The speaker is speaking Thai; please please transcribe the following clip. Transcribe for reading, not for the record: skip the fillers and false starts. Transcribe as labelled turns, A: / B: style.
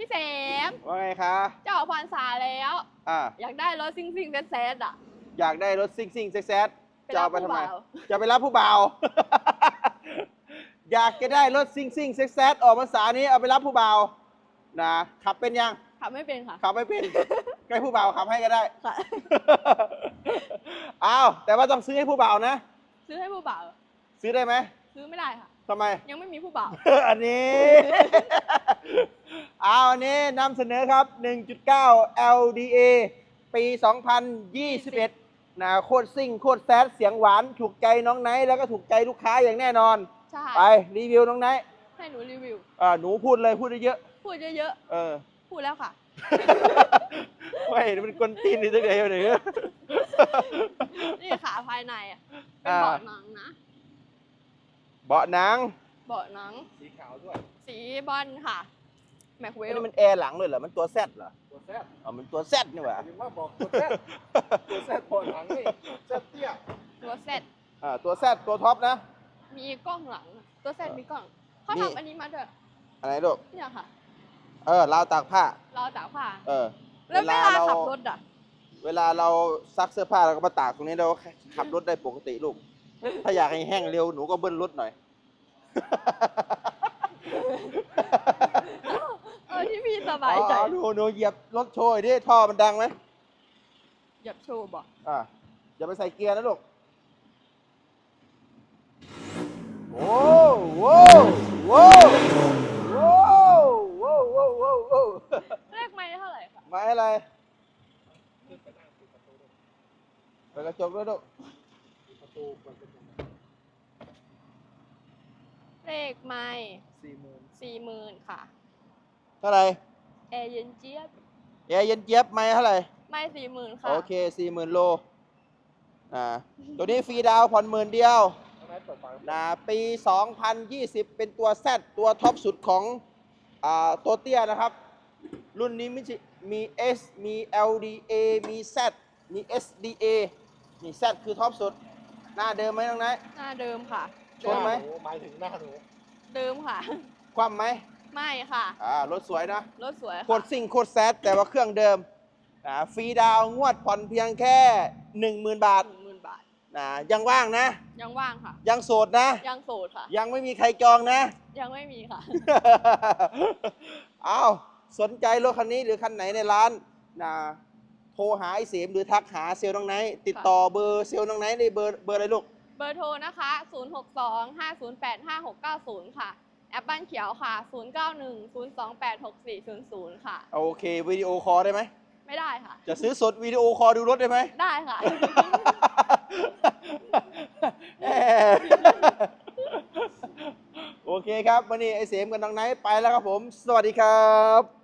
A: พี่เสม
B: ว่าไงคะ
A: จะออกพรรษาแล้วอยากได้รถซิ่งแซดอ่ะ
B: อยากได้รถซิ่งแซดจะเอาไปทำไม
A: ไปรับผู้บ่าว
B: จะไปรับผู้บ่าว อยากจะได้รถซิ่งแซดออกพรรษานี้เอาไปรับผู้บ่าวนะขับเป็นยัง
A: ขับไม่เป็นค่ะ
B: ขับไม่เป็น ใกล้ผู้บ่าวขับให้ก็ได้
A: ค่ะ
B: อ้าวแต่ว่าต้องซื้อให้ผู้บ่าวนะ
A: ซื้อให้ผู้บ่าว
B: ซื้อได้ไหม
A: ซื้อไม่ได้ค่ะ
B: ทำไม
A: ยังไม่มีผู้บ่าว
B: อันนี้ เอาอันนี้นำเสนอครับ 1.9 LDA ปี 2021 นะโคตรซิ่งโคตรแซดเสียงหวานถูกใจน้องไนท์แล้วก็ถูกใจลูกค้าอย่างแน่นอน
A: ใช่
B: ไปรีวิวน้องไนท์
A: ให้หนูรีวิว
B: หนูพูดเลยพูดเยอะ
A: พูดเยอะ
B: ๆ
A: พูดแล้วค่ะ
B: ไม่มันกวนตีนนี่ตั้งแต่ไหน
A: นี่ขาภายในอ่ะ เป็นเบาะหนังนะ
B: เบาะหนัง
A: เบาะหนัง
B: สีขาวด้วย
A: สีบอลค่ะ แม็กเว
B: อัน
A: ล
B: นี้มันแอร์หลังเลยเหรอมันตัวแซดเหรอตัวแซดมันตัวแซดนี่หว่า
C: ยังว่าบอกตัวแซดตัวแซดปอดหลังนี่แซดเตี้ย
A: ตัวเซต
B: ตัวแซดตัวท็อปนะ
A: มีกล้องหลังอะตัวเซตมีกล้อง เขา
B: นี่
A: ทำอันนี้มาด้วย
B: อะไรลูก
A: เนี่ยค่ะ
B: ราวตากผ้า
A: เราตากผ้า
B: เว
A: แล้วเว
B: ลา
A: ลา
B: เรา
A: ขับรถอ่ะ
B: เวลาเราซักเสื้อผ้าเราก็มาตากตรงนี้เราก็ขับรถได้ปกติลูก ถ้าอยากให้แห้งเร็วหนูก็เบิ้ลรถหน่อย
A: ที่พี่สบายใจ
B: หนูเหยียบรถโชยดิท่อมันดังไหม
A: หยับโชว์บอก
B: อย่าไปใส่เกียร์นะลูก โอ้โหโว้โว้โว้โว้โว้โว้
A: เลขไม่เท่าไหร่ค่ะ
B: ไม้อะไรเปิดกระจกด้วยลูก
C: ประตูมันเป็นยังไง
A: เลขไม่
C: 40,000
A: 40,000ค่ะ
B: เท่าไหร่
A: แอร์เย็นเจี๊ยบ
B: แอร์เย็นเจี๊ยบไม้เท่าไหร่
A: ไม่40,000ค่ะ
B: โอเค 40,000 โลตัวนี้ฟรีดาวน์ผ่อน10,000 เดียว
C: เอาไหนเปิดฝา
B: ปี 2020 เป็นตัว Z ตัวท็อปสุดของตัวเตี้ยนะครับ รุ่นนี้มี S มี LDA มี Z มี SDA นี่ Z คือท็อปสุด หน้าเดิมไหมน้องนาย
A: หน้าเดิมค่ะ
B: ชนไหม
C: หมายถึงหน้าหนู
A: เดิมค่ะ
B: คว่ำไหม
A: ไม่ค่ะ
B: รถสวยนะ
A: รถสวย
B: โคตรซิ่งโคตรแซดแต่ว่าเครื่องเดิมฟรีดาวน์งวดผ่อนเพียงแค่ 10,000 บาท
A: 10,000 บาท
B: ยังว่างนะ
A: ยังว่างค่ะ
B: ยังโสดนะ
A: ยังโสดค่ะ
B: ยังไม่มีใครจองนะ
A: ยังไม่มีค่ะ
B: อ้าวสนใจรถคันนี้หรือคันไหนในร้านโทรหาไอ้เสมหรือทักหาเซลล์น้องไนท์ติดต่อเบอร์เซลล์น้องไนท์ในเบอร์อะไรลูก
A: เบอร์โทรนะคะ 062-508-5690 ค่ะ แอปบ้านเขียวค่ะ 091-028-6400 ค่ะ
B: โอเควิดีโอคอลได้ไหม
A: ไม่ได้ค่ะ
B: จะซื้อสดวิดีโอคอลดูรถได้ไหม
A: ได้ค่ะ
B: โอเคครับวันนี้ไอ้เสมกับน้องไนท์ไปแล้วครับผม สวัสดีครับ